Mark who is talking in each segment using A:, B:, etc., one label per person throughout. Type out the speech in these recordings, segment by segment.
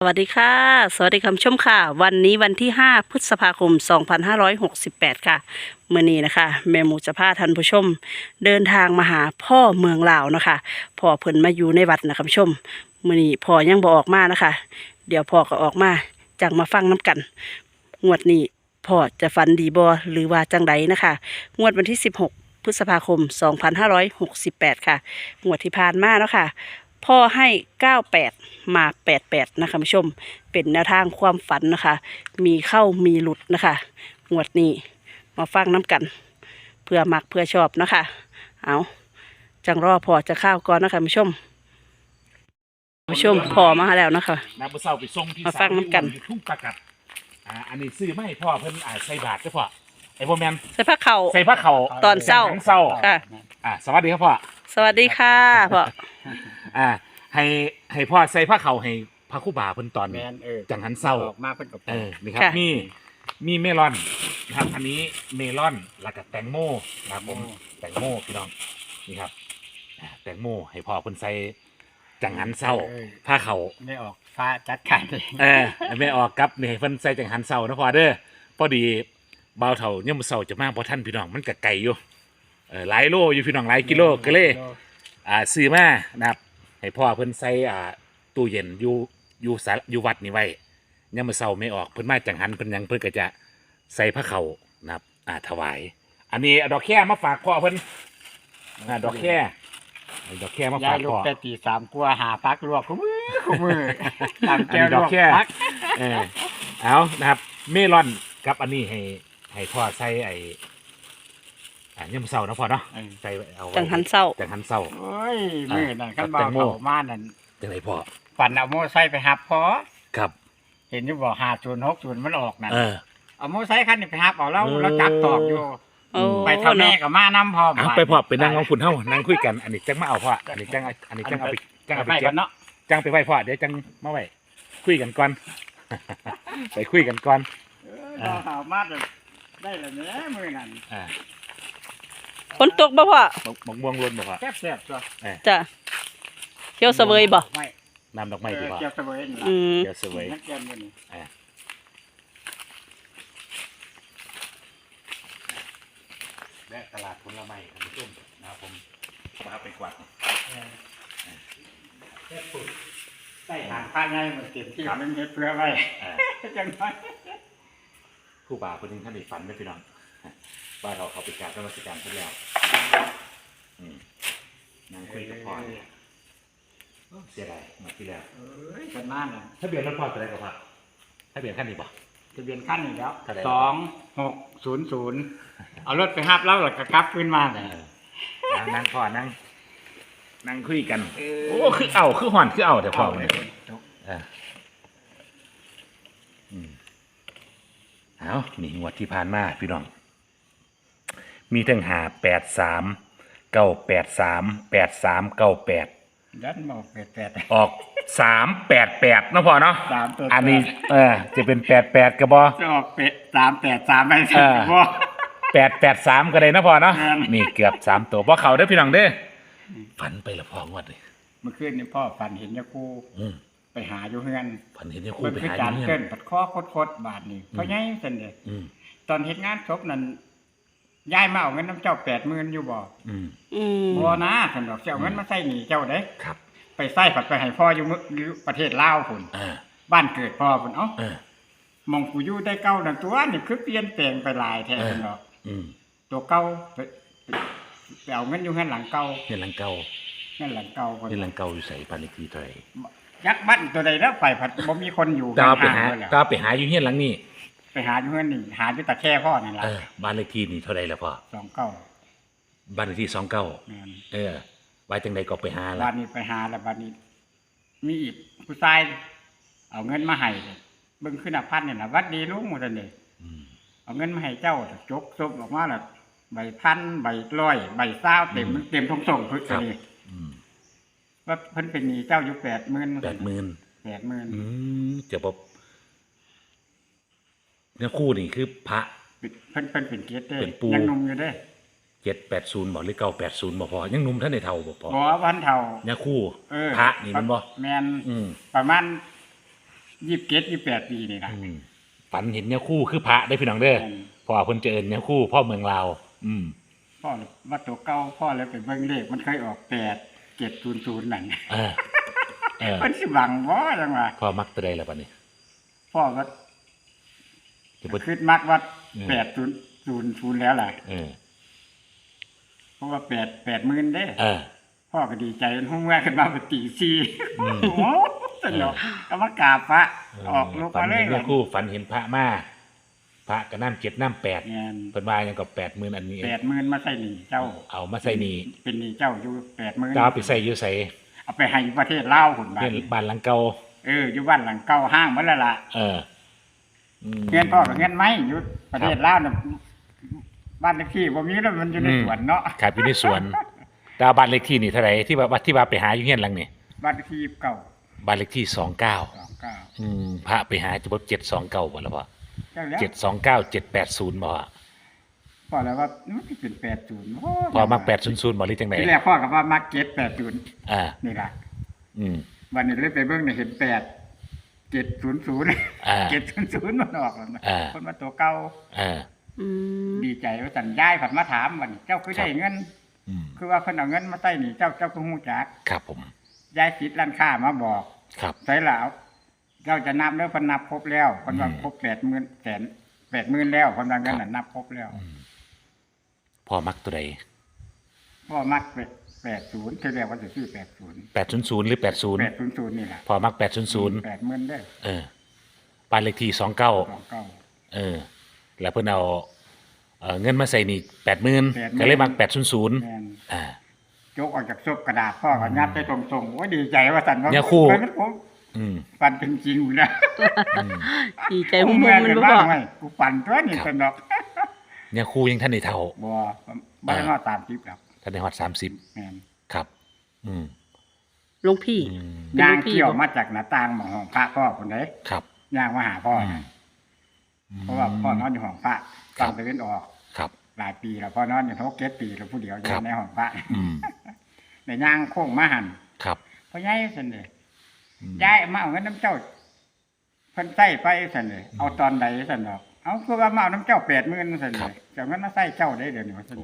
A: สวัสดีค่ะสวัสดีคุณผู้ชมค่ะวันนี้วันที่5พฤษภาคม2568ค่ะมื้อนี้นะคะแม่หมูจะพาท่านผู้ชมเดินทางมาหาพ่อเมืองลาวนะคะพ่อเพิ่นมาอยู่ในวัดนะคะคุณผู้ชมมื้อนี้พ่อยังบ่ออกมานะคะเดี๋ยวพ่อก็ออกมาจังมาฟังน้กันงวดนี้พ่อจะฝันดีบ่หรือว่าจังใดนะคะงวดวันที่16พฤษภาคม2568ค่ะงวดที่ผ่านมาเนาะค่ะพ่อให้98มา88นะคะคุณผู้ชมเป็นแนวทางความฝันนะคะมีเข้ามีหลุดนะคะงวดนี้มาฟังน้กันเพื่อมักเพื่อชอบนะคะเอาจังรอพอจะข้าวก่อนนะคะคุณผู้ชมพอมาแล้วนะคะ
B: น้ำมะเศร้าไปส่งที่
A: มาฟังน้กัน
B: ทุ่งประกัดอันนี้ซื้อไม่ให้พ่อเพิ่นใส่บาตรเจ้าพ่อไอ้พ่อแมน
A: ใส่ผ้าเข่า
B: ใส่ผ้าเข่า
A: ตอนเศร้า
B: ค่ะสวัสดีครับพ่อ
A: สวัสดีค่ะพ่อ
B: ให้พ่อใส่ผ้าเข่าให้พระครูบาเพิ่นตอนจังหันเศร้า
C: มาเพิ่นกับ
B: นี่ครับมีเมลอนนะครับอันนี้เมลอนแล้วก็แตงโมนะครับผมแตงโมพี่น้องนี่ครับแตงโมให้พ่อเพิ่นใส่จังหันเศร้าผ้าเข่า
C: ไม่ออกฟ้าจัดการ
B: ไม่ออกครับนี่เพิ่นใส่จังหันเศร้านะพ่อเด้อพอดีบ่าวเฒ่าเนี่ยามมื้อเช้าจะมาบ่ทันพี่น้องมันก็ไกลอยู่หลายโลอยู่พี่น้องหลายกิโลก็เลยซื้อมานะครับให้พ่อเพิ่นใส่ตู้เย็นอยู่วัดนี่ไว้เนี่ยามมื้อเช้าไม่ออกเพิ่นมาจังหันเพิ่นยังเพิ่นก็จะใส่ผ้าเข่านะครับถวายอันนี้ดอกแค่มาฝากพ่อเพิ่นดอกแค่มาฝากพ่อ
C: แต่ตีสามกลัวหาพักลวกคู่มือ
B: ตามแก้วดอกแค่เอานะครับเมลอนกับอันนี้ให้พ่อใส่ยำเศร้านะพ่อเนาะใส่เอา
A: จังหันเศร้า
C: โอ้ยมือนั่นขั้นบ่าวเขามานั่น
B: จังไรพ่อ
C: ปั่นเอาโม่ไซไปหับพอ
B: ครับ
C: เห็นอยู่บ่5060มันออกนั่นเอาโม่ไซคันนี้ไปหับเอาแล้วจับตอกอยู่ไปทำแม่กับมาน้ำพอ
B: ไปพ่อไปนั่งของคุณเท่านั่งคุยกันอันนี้จังมาเอาพ่ออันนี้จังเอาไปเก็บ
C: เนาะ
B: จังไปไหว้พ่อเดี๋ยวจังมาไหว้คุยกันก่อนไปคุยกันก่อน
C: เอามาได้แล้วเนี่ยมือนั่น
A: ฝนตกบ่พ่อ
B: มะม่วงล้นบ่พ่อ
C: แซ่บจ้ะ
A: จ้ะเขียวเสวยบ่
B: น้ำดอกไม้ดีพ่อ
C: เขียวเสวย
B: เขียวเสวยและตลาดผลไม้ท่านผู้ชมนะครับผมมาไปกวาด
C: ใส่หางผ้าง่ายเหมือนเก็บที่มันเม็ดเพื่อไว้จังไง
B: ผู้บ่าวคนนึงท่านได้ฝันไม่พี่น้องบ้านเราเขาไปการนมัสการเพื่อแล้วนั่งคุยกับพ่อเสียดายมาที่แล้ว
C: กันมากเลย
B: ถ้าเบียนรถพ่อจะได้กับพ่อถ้าเบียนขั้นนี้ป่ะ
C: ทะเบียนขั้นนี้แล้ว2600เอารถไปหับแล้วหลักกลับขึ้นมาเลย
B: นั่งพ่อนั่งคุยกันโอ้คือห่อนแต่พ่อเนี่ยเอานี่งวดที่ผ่านมาพี่น้องมีทั้ง
C: ยันบอก
B: 88ออก388นะพ่อเนาะอันนี้จะเป็น88กระบอ
C: จะออก383ไปสิบ่
B: 883ก็ได้นะพ่อเนาะนี่เกือบ3ตัวบ่เข้าเด้อพี่น้องเด้อฝันไปละพ่องวดเลย
C: เมื่อคืนนี่พ่อฝันเห็นยาคูไปหาอยู่เฮือน
B: ฝันเห็นยาคูไปหาอยู่
C: เฮือนปัดข้อคดบาทนี่เพราะไงซั่นเด้ตอนเฮ็ดงานศพนั่นยายมาเอาเงินน้ำเจ้า80,000อยู่บ่บ่นะท่านดอกเจ้าเงินมาใส่หนี้เจ้าเด้
B: ครับ
C: ไปใส่ผัดไปให้พ่ออยู่ประเทศลาวพุ่นบ้านเกิดพ่อพุ่นมองกูอยู่ได้เก่านั่นตัวนี่คือเปลี่ยนแปลงไปหลายแท้ท่านดอกตัวเก่าไปเอาเงินอยู่เงินหลังเก่า
B: อยู่ใส่บ้านเลขที่เท่าไหร่
C: ยักษ์บ้านตัวใดแล้วไปผัดบ่มีคนอยู่
B: ตาไปหาอยู่เฮียนหลังนี้
C: ไปหาอยู่เงินนี่หาอยู่ตะแค่พ่อนี่ล่ะ
B: บ้านเลขที่นี่เท่าไหร่ล่ะพ่อ
C: 29
B: บ้านเลขที่29ไว้จังใดก็ไปหาล่ะ
C: บ้านนี้ไปหาแล้วบ้านนี้มีอีกผู้ชายเอาเงินมาให้เบิ่งขึ้นพันนี่ล่ะวัดดีลุงหมดนั่นเด้เอาเงินมาให้เจ้าจกซบออกมาแล้วใบพันใบร้อยใบ20เต็มส่งเพิ่นนี่ว่าเพิ่นเป็นหนี้เจ้าอยู่
B: 80,000จะบ่เนี่ยคู่นี่คือพระ
C: เพิ่นเป็นเกียรติเด้ยังหนุ่มอยู่เด้
B: 780บ่หรือ980บ่พอยังหนุ่มท่านได้เฒ่าบ่พอ
C: บ่วันเฒ่า
B: เนี่ยคู่พระนี่มันบ่
C: แม่นประมาณ 27-28 ปีนี่นะ
B: ฝันเห็นเนี่ยคู่คือพระได้พี่น้องเด้อ
C: อืม
B: พอเพิ่นเจอเนี่ยคู่พ่อเมืองลาว
C: พ่อว่าตัวเก่าพ่อเลยไปเบิ่งเลขมันเคยออก8700นั่น
B: เออเออ
C: เพิ่นสิหวังบ่จังว่า
B: พ่อมักตัวใดล่ะบัดนี้
C: พ่อก็
B: จะบ่
C: คิดมักว่า
B: อืม
C: 8000แล้วล่ะ
B: เออ
C: เพราะว่า80,000เด้
B: เออ
C: พ่อก็ดีใจห้องแรกขึ้นมาเป็นตี4
B: อืม
C: โอ้โหสนุกก็มากราบพระออกลูก
B: ฝั
C: มาน เล
B: เห็
C: ย
B: นเนี่ยคู่ฝันเห็นพระมาพระก็น้ำ7น้ำ8
C: เงิน
B: เพิ่นว่าหยังก็80,000อันนี้
C: 80,000มาใส่หนี้เจ้า
B: เอามาใส่นี่
C: เป็นหนี้เจ้าอยู่80,000
B: จะเอาไปใส่อยู่ไส
C: เอาไปให้ประเทศลาวพุ่นบา
B: เพื่
C: ด
B: อนบ้านหลังเก่า
C: อยู่บ้านหลังเก่าห้างมันแล้วล่ะ
B: เอออืม
C: เงินพ่อกับเงินไหมอยู่ประเทศลาวน่ะบ้านเลขที่บ่มีแล้วมันอยู่ในสวนเนาะ
B: ครับอยู่ในสวนดาวบ้านเลขที่นี่เท่าไหร่ที่ว่าไปหาอยู่เฮียนหลังนี่
C: บ้านเลขที่เก่า
B: บ้านเลขที่29
C: 29
B: พระไปหาจะบ่729บ่ล่ะพ่อ
C: เจ้าแล้ว
B: 729 780บ่อะ
C: พ่อแล้วว่ามันสิเป็น80โอ้
B: พอมัก800บ่หรือจังได๋
C: ทีแรกพ่อก็ว่ามัก780
B: อ่า
C: นี่ล่ะ
B: อืม
C: วันนี้เลยไปเบิ่งเนี่ยเห็น700
B: อ่า
C: 700มันออกแล้วนะ
B: อ่า
C: คนมาตัวเก่า
B: อ่า
A: อืม
C: ดีใจว่าสัญญายผันมาถามวันนี้เจ้าคือได้เงิน
B: อืม
C: คือว่าเพิ่นเอาเงินมาใส่หนี่เจ้าคือฮู้จัก
B: ครับผม
C: ยายสิทธิ์ร้านค้ามาบอก
B: ครับ
C: ใส่แล้วเจ้าจะนับเด้อเพิ่นนับครบแล้วเพิ่นว่าครบ80,000แล้วเพิ่นว่าเงินน่ะนับครบแล้ว
B: พ่อมักตัวใด
C: พ่อมัก80ทีแรกว่าจะซื้อ80
B: 800หรือ80
C: 800นี่ล่ะ
B: พ่อมัก800
C: 80,000เด้อ
B: เออบ้านเลขที่29
C: 29
B: เออ แล้วเพิ่นเอาเงินมาใส่นี่80,000ก็เลยมัก800
C: แม่น
B: อ่า
C: ยกออกจากซบกระดาษพ่อก็ยัดไปตรงๆโอ้ยดีใจว่าสั่นว่า
B: เนี่ยคู่
C: มันผม
B: อืม
C: ปันเป็นจริงอยู่นะ
A: ดีใจหุ่มๆมันบ่
C: บ้า
A: พ่อ
C: งไงกูปั่นตัวนี่
B: ครับ
C: สนอก
B: เนี่ยครูยังท่านได้เท่า
C: บ่บ่ได้มาตามทิพย์หรอก
B: ท่านได้ฮอด30
C: แม่น
B: ครับ อืม
A: หลวงพี่
B: อืม
A: เป็น
C: ย่าง
A: ลูกพี่
C: เกี่ยว
A: บ่
C: มาจากหน้าต่างหมองห้องพระพ่อคนใด
B: ครับ
C: ย่างมาหาพ่อนะเพราะว่าพ่อนอนอยู่ห้องพระ
B: ครั
C: ต
B: บ
C: อนตะเวนออก
B: ครับ
C: หลายปีแล้วพ่อนอนอยู่6-7 ปีแล้วผู้เดียวอ
B: ครั
C: ยู่
B: บ
C: ในห้องพระ
B: อืม
C: ในย่างโค้งมาหัน
B: ครับ
C: พ่อใหญ่ซั่นเด้
B: อืม
C: ย้ายมาเอาเงินน้ำเจ้าเพิ่นใส่ไปซั่นเด้เอาตอนใดซั่นดอกเอาคือว่ามาเอาน้ำเจ้า80,000ซั่น
B: ครั
C: เด้
B: บ
C: เจ้าเงินมาใส่เจ้าได้เดี๋ยวนี้ว่าซั่น
B: โอ้
C: เด้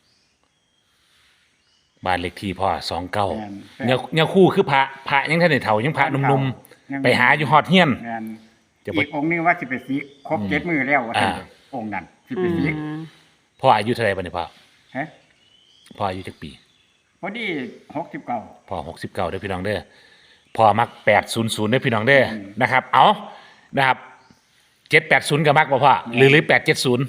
B: บ้านเลขที่พ่อ29
C: แม่น
B: เนี่ยครูคือพระยังท่านได้เท่ายังพระหนุ่มๆไปหาอยู่ฮอดเฮียน
C: แม่น
B: จะบ่
C: อีกองค์หนึงว่าสิไปสิกครบ
B: อืม
C: 7 มื้อแล้วว่าซั่น
B: อ่า
C: เด้องค์นั้นสิ
A: อื
C: ไปสิก
A: ม
B: พ่ออายุเท่าไหร่บัดนี้พ่อ
C: ฮะ
B: พ่ออายุจักปี
C: พอดี69
B: พ่อ69เด้อพี่น้องเด้อพ่อมัก800เด้อพี่น้องเด้อ
C: อืม
B: นะครับ เอานะครับ780ก็มักบ่พ่อหรือ870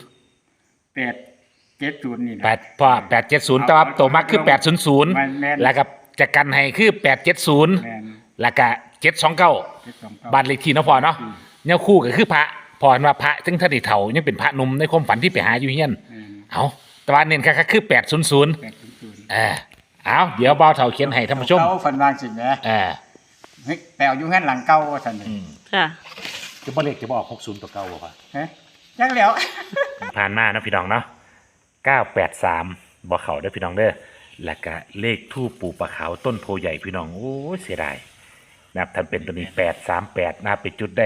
C: 870นี่นะ
B: 8พ่อ870แต่ว่าตัวมักคือ
C: แม่น
B: 800แล้วก็จะกันให้คือ870
C: แม่น
B: แล้วก็729
C: 729
B: บ้านเลขที่เนาะพ่อเนาะเนี่ยคู่ก็คือพระพ่อเห็นว่าพระถึงท่านได้เฒ่ายังเป็นพระหนุ่มในความฝันที่ไปหาอยู่เฮียน
C: แม่น
B: เอาแต่ว่าเน้นคักๆคือ800
C: 800
B: เอาเดี๋ยวเบาเฒ่าเขียนให้ท่านผู้ชม
C: เขาฝันวางสิแหม
B: เออ
C: เฮ้ยแปลอยู่เฮือนหลังเก่าว่าซั่นนี่
A: ค่ะ
B: จะบ่เลขจะบ่ออก60ตัวเก่าบ่พ่อ
C: ฮะจังแล้ว
B: ผ่านมานะพี่น้องเนาะ983บ่เข้าเด้อพี่น้องเด้อแล้วก็เลขทูปปู่ปะขาวต้นโพใหญ่พี่น้องโอ้ยเสียดายนะครับท่านเป็นตัวนี้838นะครับไปจุดได้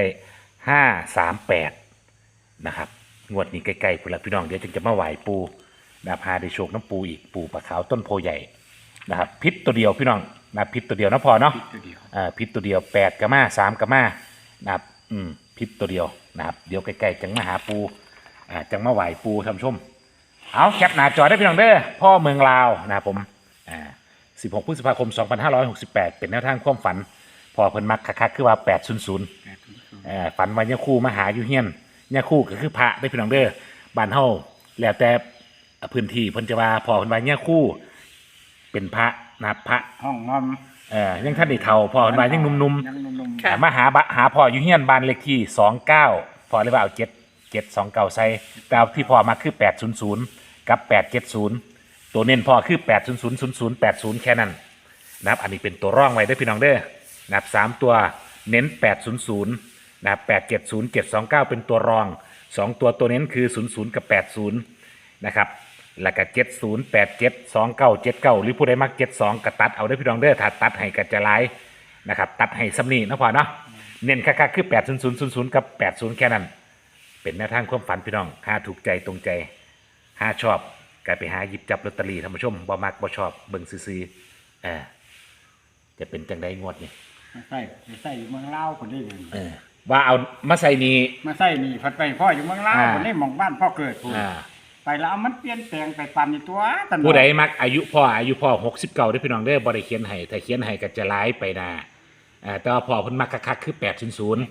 B: 538นะครับงวดนี้ใกล้ๆพุ่นละพี่น้องเดี๋ยวจึงจะมาไหว้ปู่นะครับพาได้โชคน้ำปูอีกปู่ปะขาวต้นโพใหญ่นะครับพิษตัวเดียวพี่น้องนะครับพิษตัวเดียวนะพอเนาะ
C: ตัวเดียว
B: พิษตัวเดียว8กับมา3กับมานะครับพิษตัวเดียวนะครับเดี๋ยวใกล้ๆจังมาหาปูจังมาไหวปูท่านผู้ชมเอาแคปหน้าจอได้พี่น้องเด้อพ่อเมืองลาวนะครับผม16 พฤษภาคม 2568 เป็นแนวทางความฝันพอเพิ่นมักคักๆคือว่า800
C: 800
B: ฝันว่าเนี่ยคู่มาหาอยู่เฮียนเนี่ยคู่ก็คือพระได้พี่น้องเด้อบ้านเฮาแล้วแต่พื้นที่เพิ่นจะว่าพอเพิ่นว่าเนี่ยคู่เป็นพระนะครับพระ
C: ห้องนอน
B: ยังท่านได้เฒ่าพอเพิ่นว่ายังหนุ่มๆ
C: ยังหนุ่ม
A: ค่ะ
B: มาหาพ่ออยู่เฮียนบ้านเลขที่29พ่อเลยว่าเอา729ใส่แต่เอาที่พ่อมาคือ800กับ870ตัวเน้นพ่อคือ8000080แค่นั้นนะครับอันนี้เป็นตัวร่องไว้ได้อพี่น้องเด้อนะครับ3ตัวเน้น800นะครับ870 729เป็นตัวรอง2ตัวตัวเน้นคือ00กับ80นะครับแล้วก็70 87 29 79หรือผู้ใดมัก72ก็ตัดเอาได้อพี่น้องเด้อถ้าตัดให้ก็จะหลายนะครับตัดให้ซ้ำนี้นะพ่อเนาะเน้นคักๆคือ80000กับ80แค่นั้น เป็นแนวทางความฝันพี่น้องหาถูกใจตรงใจหาชอบก็ไปหาหยิบจับลอตเตอรี่ท่านผู้ชมบ่มักบ่ชอบเบิ่งซื่อๆจะเป็นจังไดงวดนี่
C: มาใส่อยู่เมืองลาวคนนี้
B: ว่าเอามาใส่นี่
C: มาใส่นี่พัดไปพ่ออยู่เมืองลาวคนนี้หมองบ้านพ่อเกิดพูด
B: อ่า
C: ไปแล้วเอามันเปลี่ยนแปลงไปปันในตัวตัน
B: ผู้ใดมักอายุพ่อ69เด้อพี่น้องเด้อบ่ได้เขียนให้ถ้าเขียนให้ก็จะหลายไปนะแต่ว่าพ่อเพิ่นมักคักๆคือ800
C: คุณศูนย์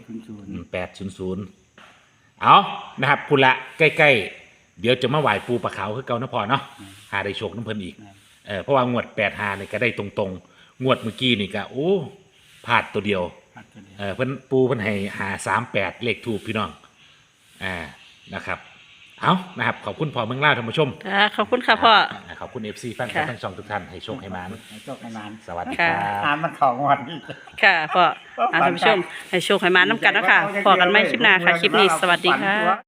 B: 800เอานะครับพุ่นละใกล้ๆเดี๋ยวจะมาไหว้ปูปลาขาวคือเก่านะพ่อเนาะหาได้โชคน้ำเพิ่นอีกเพราะว่างวด85นี่ก็ได้ตรงๆงวดเมื่อกี้นี่ก็โอ้พลาดตัวเดียว
C: พัดตัวเดียว
B: เพิ่นปูเพิ่นให้หา38เลขถูกพี่น้องนะครับเอานะครับขอบคุณพ่อเมืองลาวท่านผู้ชม
A: ค่ะขอบคุณค่ะพ่อ
B: ขอบคุณ FC แฟนคลับ
A: ค่ะ
B: ทั้งช่องทุกท่านให้โชคให้มาน
C: ให้โชคให้มาน
B: สวัสดีค
A: ค่ะ
B: รับ
C: ตามมันของวันนี้
A: ค่ะพ่อท่านผู้ชมให้โชคให้มาน้ำกันเนาะคะพอกันไม่คลิปหน้าค่ะ คลิปนี้สวัสดีค่ะ